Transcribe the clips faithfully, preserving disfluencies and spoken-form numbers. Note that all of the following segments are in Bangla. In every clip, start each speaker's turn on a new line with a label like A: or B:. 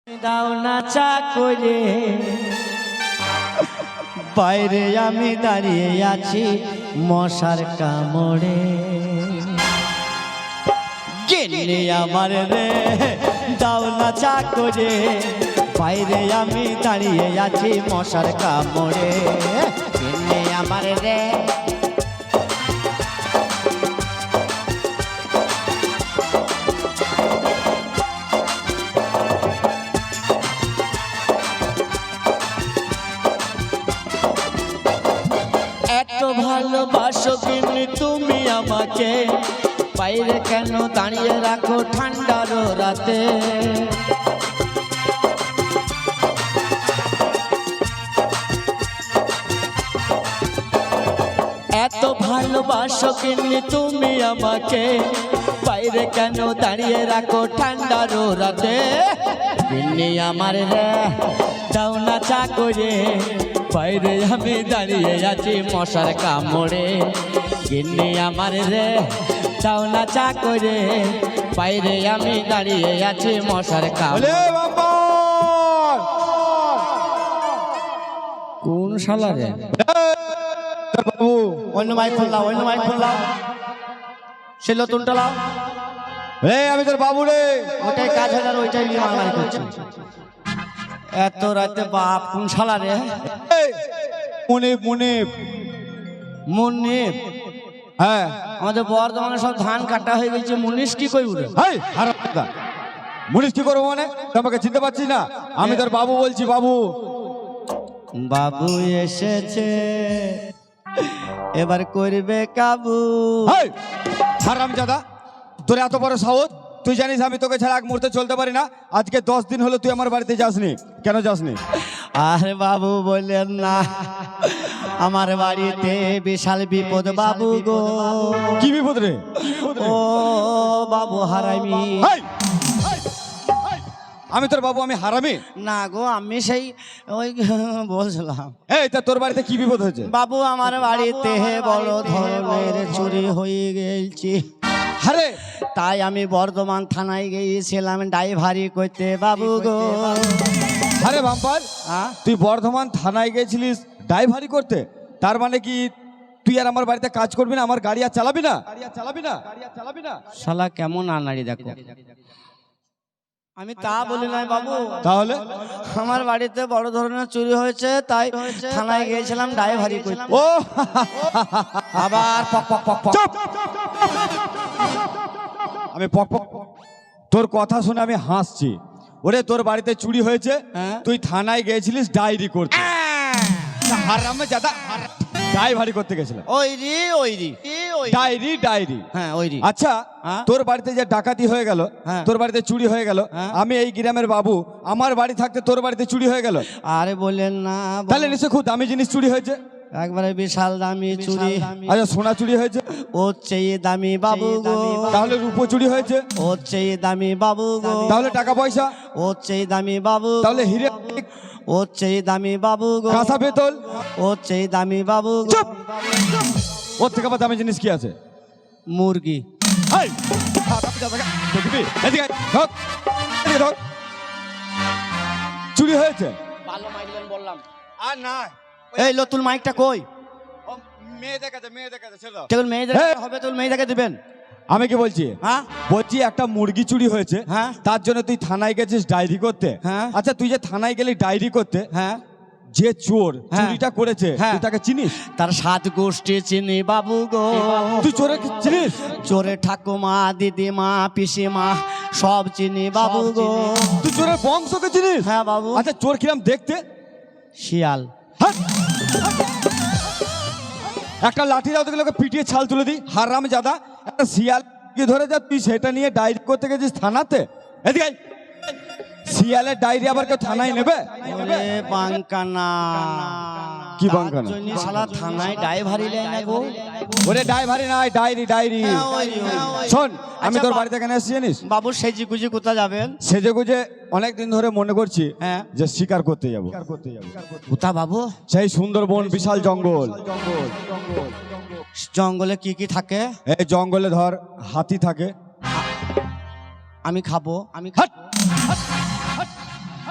A: দাও না চা করে বাইরে আমি দাঁড়িয়ে আছি মশার কামড়ে গেলে আমার রে দাও না চা করে বাইরে আমি দাঁড়িয়ে আছি মশার কামড়ে গেলে আমার রে ভালোবাসো কিন্তু তুমি আমাকে বাইরে কেন দাঁড়িয়ে রাখো ঠান্ডার রাতে এত ভালোবাসো কিন্তু তুমি আমাকে বাইরে কেন দাঁড়িয়ে রাখো ঠান্ডার রাতে দিল্লি আমার রে দাও না চা করে বাইরে আমি দাঁড়িয়ে আছি মশার কামড়ে গিন্নি আমার রে দাও না চা করে বাইরে আমি দাঁড়িয়ে আছি মশার কামড়ে কোন শালা রে বাবু অন্য মাইক খুললাম অন্য মাইক খুললাম সে নতুনটা লাও
B: রে আমি তোর বাবু রে
A: ওটাই কাজ হয় আর ওইটাই নিয়ে মারামারি করছি এত রাতে বাপ কোন শালা রে
B: মুনিপ মুনিপ
A: মুনিপ
B: হ্যাঁ
A: আমাদের বর্ধমানে সব ধান কাটা হয়ে গেছে মুনিশ কি কই উড়ে
B: হাই হারামজাদা মুনিশ কি করবো মানে তোমাকে চিনতে পারছিস না আমি তোর বাবু বলছি বাবু
A: বাবু এসেছে এবার করবে কাবু
B: হাই হারামজাদা তোর এত বড় সাহস তুই জানিস আমি তোকে ছাড়া এক মুহূর্তে চলতে পারি না আজকে দশ দিন হলো তুই আমার বাড়িতে যাসনি কেন যাসনি
A: আরে বাবু বললেন না আমার বাড়িতে বিশাল বিপদ বাবু গো
B: কি বিপদ রে
A: ও বাবু হারামি
B: আমি তোর বাবু আমি হারামি
A: না গো আমি সেই ওই বলছিলাম
B: এই তা তোর বাড়িতে কি বিপদ হয়েছে
A: বাবু আমার বাড়িতে বড় ধরনের চুরি হয়ে গেছে
B: আরে
A: তাই আমি বর্ধমান থানায় গিয়েছিলাম ড্রাইভারি করতে বাবু গো
B: আরে বাম্পার তুই বর্ধমান থানায় গেছিলিস ড্রাইভারি করতে তার মানে কি তুই আর আমার বাড়িতে কাজ করবি না আমার গাড়ি আর চালাবি না গাড়ি আর চালাবি না গাড়ি আর চালাবি না
A: শালা কেমন আনাড়ি দেখো আমি তা বলি নাই বাবু
B: তাহলে
A: আমার বাড়িতে বড় ধরনের চুরি হয়েছে তাই থানায় গিয়েছিলাম ড্রাইভারি করতে
B: ও
A: আবার পক পক পক পক
B: আমি পক পক তোর কথা শুনে আমি হাসছি ওরে তোর বাড়িতে চুরি হয়েছে তুই থানায় গিয়েছিলিস ডায়েরি করতে হারামে জাদা ডায়েরি করতে গেছিলাম
A: ওই রি ওই রি
B: ডায়েরি ডায়েরি
A: হ্যাঁ ওই রি
B: আচ্ছা তোর বাড়িতে যে ডাকাতি হয়ে গেল তোর বাড়িতে চুরি হয়ে গেল আমি এই গ্রামের বাবু আমার বাড়ি থাকতে তোর বাড়িতে চুরি হয়ে গেল
A: আরে বলেন না
B: তাহলে নিশ্চয় খুব দামি জিনিস চুরি হয়েছে
A: একবারে বিশাল দামি চুরি
B: আচ্ছা সোনা চুরি হয়েছে
A: ওর চেয়ে দামি বাবু গো
B: তাহলে রূপো চুরি হয়েছে
A: ওর চেয়ে দামি বাবু গো
B: তাহলে টাকা পয়সা
A: ওর চেয়ে দামি বাবু
B: তাহলে হিরে
A: ওর চেয়ে দামি বাবু গো
B: কাঁসা পেতল
A: ওর চেয়ে দামি বাবু গো
B: ওর থেকে আবার দামি জিনিস কি আছে
A: মুরগি
B: চুরি হয়েছে
A: ভালো মাইলেন বললাম
B: আর না
A: এই নতুন মাইকটা কই
B: মেয়ে দেখাতে মেয়ে দেখাতে ছেড়ে দাও
A: কেবল মেয়ে দেখা হবে তো মেয়ে দেখা দিবেন
B: আমি কি বলছি
A: হ্যাঁ
B: বলছি একটা মুরগি চুরি হয়েছে
A: হ্যাঁ
B: তার জন্য তুই থানায় গেছিস ডায়েরি করতে
A: হ্যাঁ
B: আচ্ছা তুই যে থানায় গেলি ডায়েরি করতে
A: হ্যাঁ
B: যে চোর চুরিটা করেছে তুই তাকে চিনিস
A: তার সাত গোষ্ঠী চিনি বাবু গো
B: তুই চোরে চিনিস
A: চোরে ঠাকুমা দিদিমা পিসিমা সব চিনি বাবু গো
B: তুই চোরের বংশকে চিনিস
A: হ্যাঁ বাবু
B: আচ্ছা চোর কিরাম দেখতে
A: শিয়াল
B: একটা লাঠি দাও দেখলে ওকে পিটিয়ে ছাল তুলে দিই হারাম জাদা একটা শিয়াল কি ধরে যা তুই সেটা নিয়ে ডায়েরি করতে গেছিস থানাতে এদিকে শিয়ালের ডায়েরি আবার কেউ থানায় নেবে
A: বাঙ্কানা
B: কি বাঙ্কানা
A: শালা থানায় ড্রাইভারি লাই না গো
B: ওরে ডায়েরি নাই ডায়েরি ডায়েরি শোন আমি তোর বাড়িতে কেন এসেছি জানিস
A: বাবু সেজি গুজি কোথায় যাবেন
B: সেজে গুজে অনেক দিন ধরে মনে করছি
A: হ্যাঁ
B: যে শিকার করতে যাবো
A: কোথা বাবু
B: সেই সুন্দরবন বিশাল জঙ্গল
A: জঙ্গলে কি কি থাকে
B: এই জঙ্গলে ধর হাতি থাকে
A: আমি খাবো আমি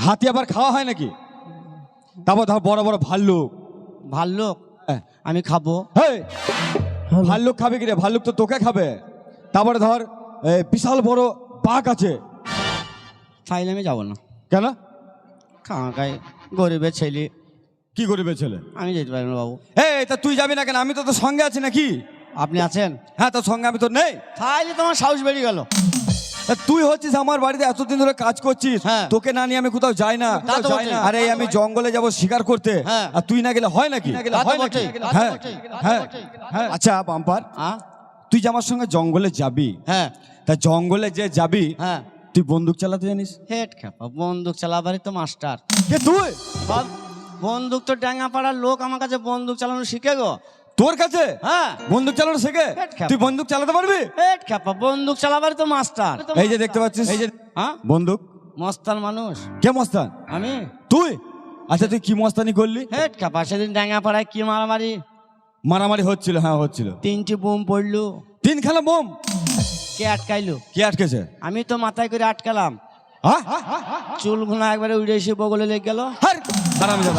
B: হাতি আবার খাওয়া হয় নাকি? তারপর ধর বড় বড় ভাল্লুক।
A: ভাল্লুক
B: হ্যাঁ।
A: আমি খাবো?
B: হেই, ভাল্লুক খাবে কি রে? ভাল্লুক তো তোকে খাবে। তারপরে ধর এ, বিশাল বড় বাঘ আছে।
A: তাইলে আমি যাবো না।
B: কেন?
A: খাঁকাই গরিবের ছেলে।
B: কি গরিবের ছেলে?
A: আমি যেতে পারি না বাবু।
B: এই তা তুই যাবি না কেন? আমি তো তোর সঙ্গে আছি নাকি?
A: আপনি আছেন?
B: হ্যাঁ, তোর সঙ্গে আমি তো নেই।
A: তাইলে তোমার সাহস বেরিয়ে গেল।
B: তা তুই হচ্ছিস আমার বাড়িতে এতদিন ধরে কাজ করছিস,
A: হ্যাঁ।
B: তোকে না নিয়ে আমি কোথাও যাই না।
A: তা তো বটেই।
B: আরে এই আমি জঙ্গলে যাব শিকার করতে,
A: হ্যাঁ।
B: আর তুই না গেলে হয় নাকি?
A: তা তো
B: হয় নাকি?
A: বটেই, তা তো
B: হ্যাঁ,
A: বটেই, তা তো
B: হ্যাঁ,
A: বটেই।
B: হ্যাঁ। আচ্ছা বাম্পার,
A: আ?
B: তুই যে আমার সঙ্গে জঙ্গলে যাবি,
A: হ্যাঁ
B: তা জঙ্গলে যে যাবি
A: হ্যাঁ।
B: তুই বন্দুক চালাতে জানিস?
A: হেড খেপা, বন্দুক চালাবারই তো মাস্টার।
B: কে তুই?
A: বাব, বন্দুক তো ড্যাঙ্গা পাড়ার লোক আমার কাছে বন্দুক চালানো শিখে গো।
B: তোর কাছে
A: হ্যাঁ
B: বন্দুক চালানো শেখে?
A: হেট খেপা।
B: তুই বন্দুক চালাতে পারবি?
A: হেড খেপা, বন্দুক চালাবারই তো মাস্টার।
B: এই যে দেখতে পাচ্ছিস, এই যে
A: হ্যাঁ,
B: বন্দুক।
A: মস্তান মানুষ
B: কে মস্তান?
A: আমি।
B: তুই? আচ্ছা তুই কি মস্তানি করলি?
A: হেড খেপা, সেদিন ড্যাঙ্গা পাড়ায় কি মারামারি,
B: মারামারি হচ্ছিল? হ্যাঁ হচ্ছিল।
A: তিনটি বোম পড়লো।
B: তিন খেলা বোম?
A: কে আটকাইলো?
B: কে আটকেছে?
A: আমি তো মাথায় করে আটকালাম।
B: হ্যাঁ?
A: চুল ঘুনা একবারে উড়ে এসে বগলে লেগে গেল।
B: হারামজাদা,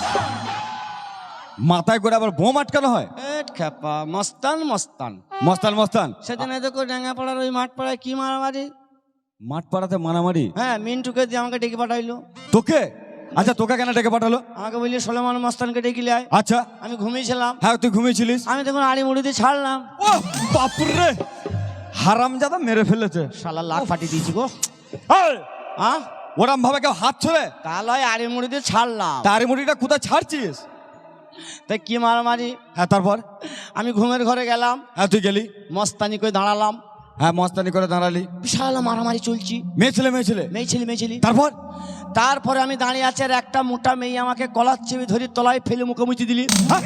B: মাথায় করে আবার বোম আটকানো হয়?
A: হেড খেপা, মস্তান মস্তান।
B: মস্তান মস্তান।
A: সেদিন দেখো ড্যাঙ্গা পাড়ার ওই মাঠ পাড়ায় কি মারামারি।
B: মাঠ পাড়াতে মারামারি?
A: হ্যাঁ, মিন্টুকে দিয়ে আমাকে ডেকে পাঠাইলো।
B: তোকে? আচ্ছা তোকে কেন ডেকে পাঠালো?
A: আমাকে বললি সোলেমান মস্তানকে ডেকে আয়।
B: আচ্ছা,
A: আমি ঘুমিয়েছিলাম।
B: হ্যাঁ তুই ঘুমিয়েছিলিস।
A: আমি তখন আড়ি মুড়ি দিয়ে ছাড়লাম।
B: ও বাপুরে, হারামজাদা মেরে ফেলেছে।
A: শালা লাখ ফাটিয়ে দিয়েছি গো।
B: এই,
A: হ্যাঁ,
B: ওরম ভাবে কেউ হাত ছড়ে?
A: তাহলে আড়ি মুড়ি দিয়ে ছাড়লাম।
B: তার মুড়িটা কোথায় ছাড়ছিস?
A: তাই কি মারামারি।
B: হ্যাঁ তারপর?
A: আমি ঘুমের ঘরে গেলাম,
B: হ্যাঁ তুই গেলি,
A: মস্তানি করে দাঁড়ালাম।
B: হ্যাঁ মস্তানি করে দাঁড়ালি।
A: বিশাল মারামারি চলছি,
B: মেয়ে ছেলে মেয়ে ছেলে
A: মেয়ে ছেলে মেয়ে ছেলে।
B: তারপর?
A: তারপরে আমি দাঁড়িয়ে আছি, আর একটা মোটা মেয়ে আমাকে কলার চেপে ধরে তলায় ফেলে মুখে মুচি দিলি।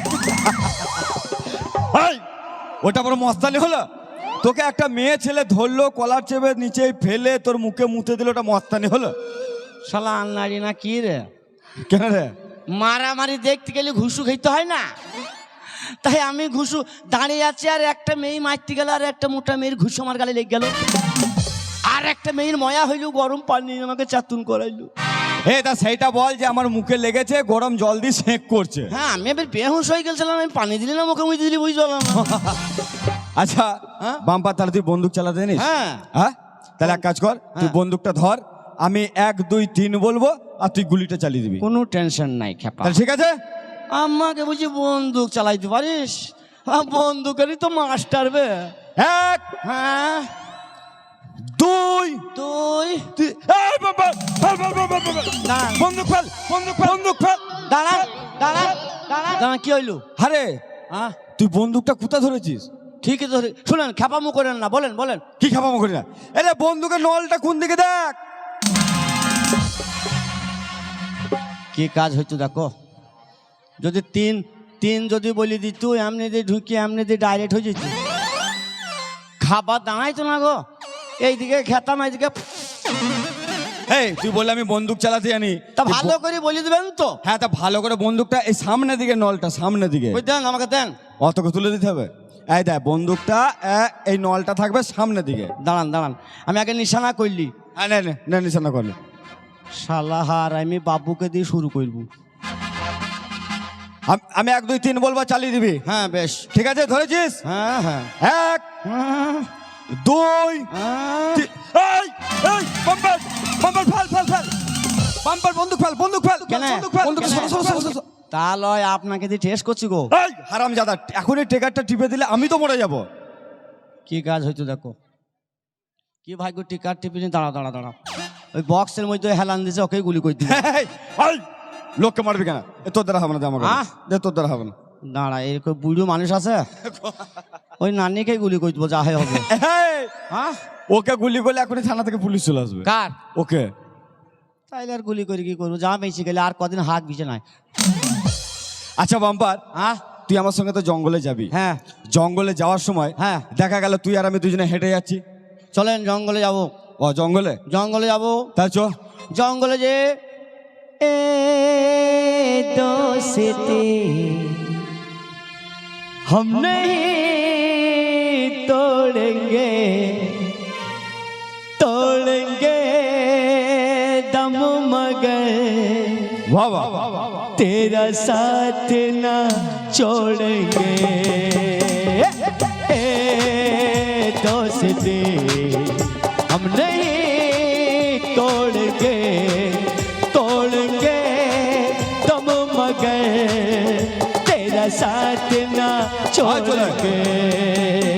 B: এই, ওটা বড় মস্তানি হলো? তোকে একটা মেয়ে ছেলে ধরলো, কলার চেপে নিচে ফেলে তোর মুখে মুতে দিল, ওটা মস্তানি হলো?
A: শালা আন্নারি না কি রে?
B: কেন রে?
A: মারামারি দেখতে গেলে ঘুষু খেতে হয় না? তাই আমি ঘুষু দাঁড়িয়ে আছি, আর একটা মেয়ে মারতে গেল, আর একটা মোটা মেয়ের ঘুষু আমার গালে লেগে গেল। আর একটা মেয়ের ময়া হইলো, গরম পানি আমাকে চাতুন করাইলো।
B: এ তা সেইটা বল যে আমার মুখে লেগেছে, গরম জল দিয়ে সেঁক করছে।
A: হ্যাঁ, আমি এবার বেহুশ হয়ে গেছিলাম, আমি পানি দিলি না মুখে মুখে দিলি, বুঝলাম না।
B: আচ্ছা
A: হ্যাঁ?
B: বাম্পার, তাহলে তুই বন্দুক চালাতে জানিস?
A: হ্যাঁ
B: হ্যাঁ, তাহলে এক কাজ কর, তুই
A: হ্যাঁ।
B: বন্দুকটা ধর, আমি এক দুই তিন বলবো, আর তুই গুলিটা চালিয়ে দিবি।
A: কোনো টেনশন নাই খেপা।
B: তাহলে ঠিক আছে?
A: আমাকে বুঝি বন্দুক চালাইতে পারিস? আ, বন্দুকেরই তো মাস্টার বে।
B: এক
A: হ্যাঁ,
B: দুই
A: তুই
B: তিন। এই বাবা, ফেল, ফেল, ফেল, ফেল, ফেল, ফেল।
A: দাঁড়ান,
B: বন্দুক ফেল, বন্দুক ফেল, বন্দুক ফেল।
A: দাঁড়ান, দাঁড়ান, দাঁড়ান, দাঁড়ান, কি হইলো?
B: আরে
A: হ্যাঁ,
B: তুই বন্দুকটা কোথা ধরেছিস?
A: ঠিকই তো। শুনেন, খেপামু করেন না, বলেন বলেন।
B: কি খাবামো করি না? আরে বন্দুকের নলটা কোন দিকে দেখ।
A: কি কাজ হইতো দেখো। যদি তিন তিন যদি বলি দিত, এমনি দিয়ে ঢুকি, এমনি দিয়ে ডাইরেক্ট হয়ে যেত। খাবার দাঁড়াইতো না গো, এইদিকে খেতাম, এইদিকে।
B: এই তুই বললে আমি বন্দুক চালাতে জানি,
A: তা ভালো করে বলি দেবেন তো।
B: হ্যাঁ তা ভালো করে বন্দুকটা এই সামনের দিকে, নলটা সামনের দিকে।
A: ওই দেন, আমাকে দেন।
B: অতকে তুলে দিতে হবে? এই দেখ বন্দুকটা, এ, এই নলটা থাকবে সামনের দিকে।
A: দাঁড়ান দাঁড়ান, আমি আগে নিশানা করলি।
B: হ্যাঁ নে নে, নে নিশানা করলে।
A: শালা হার, আমি বাবুকে দিয়ে শুরু করবো।
B: আম- আমি এক দুই তিন বলবো, চালিয়ে দিবি।
A: হ্যাঁ বেশ,
B: ঠিক আছে, ধরেছিস?
A: হ্যাঁ হ্যাঁ
B: এক
A: হ্যাঁ,
B: দুই
A: হ্যাঁ।
B: তিন। এই এই বাম্পার, বাম্পার ফেল, ফেল, ফেল। বাম্পার বন্দুক ফেল, বন্দুক ফেল,
A: কেন?
B: বন্দুক ফেল, বন্দুক
A: কেন?
B: সরো, সরো, সরো, সরো।
A: তা লয়, আপনাকে দিয়ে টেস্ট করছি গো।
B: এই হারামজাদা, এখনই টেকারটা টিপে দিলে আমি তো মরে যাব।
A: কি কাজ হইতো দেখো। কি ভাগ্য, টিকার টিপিনি। দাঁড়া দাঁড়া দাঁড়া, ওই বক্সের মধ্যে হেলান দিছে, ওকে গুলি করে দিবে।
B: এই, এই, লোককে মারবি কেন? এ তোর দ্বারা হবে না, দে আমাকে।
A: আহ?
B: দে, তোর দ্বারা হবে না।
A: দাঁড়া, এরকম বুড়ো মানুষ আছে, ওই নানিকে গুলি করে দেবো, যা হয় হবে।
B: এই,
A: হ্যাঁ,
B: ওকে গুলি করলে এখনই থানা থেকে পুলিশ চলে আসবে।
A: কার?
B: ওকে।
A: তাইলে আর গুলি করে কি করবো, যা বেঁচে গেলে আর কদিন হাত বিছে নাই।
B: আচ্ছা বাম্পার,
A: হ্যাঁ
B: তুই আমার সঙ্গে তো জঙ্গলে যাবি।
A: হ্যাঁ
B: জঙ্গলে যাওয়ার সময়
A: হ্যাঁ,
B: দেখা গেল তুই আর আমি দুজনে হেঁটে যাচ্ছি।
A: চলেন জঙ্গলে যাব।
B: ও জঙ্গলে?
A: জঙ্গলে যাব।
B: তা চ।
A: জঙ্গলে যে এ দোস্তি हम नहीं तोड़ेंगे, तोड़ेंगे दम मगर
B: वाह वाह वाह वाह
A: तेरा साथ ना छोड़ेंगे ए दोस्ती हम नहीं तोड़ेंगे तोड़ेंगे तुम मगर तेरा साथ ना छोड़ेंगे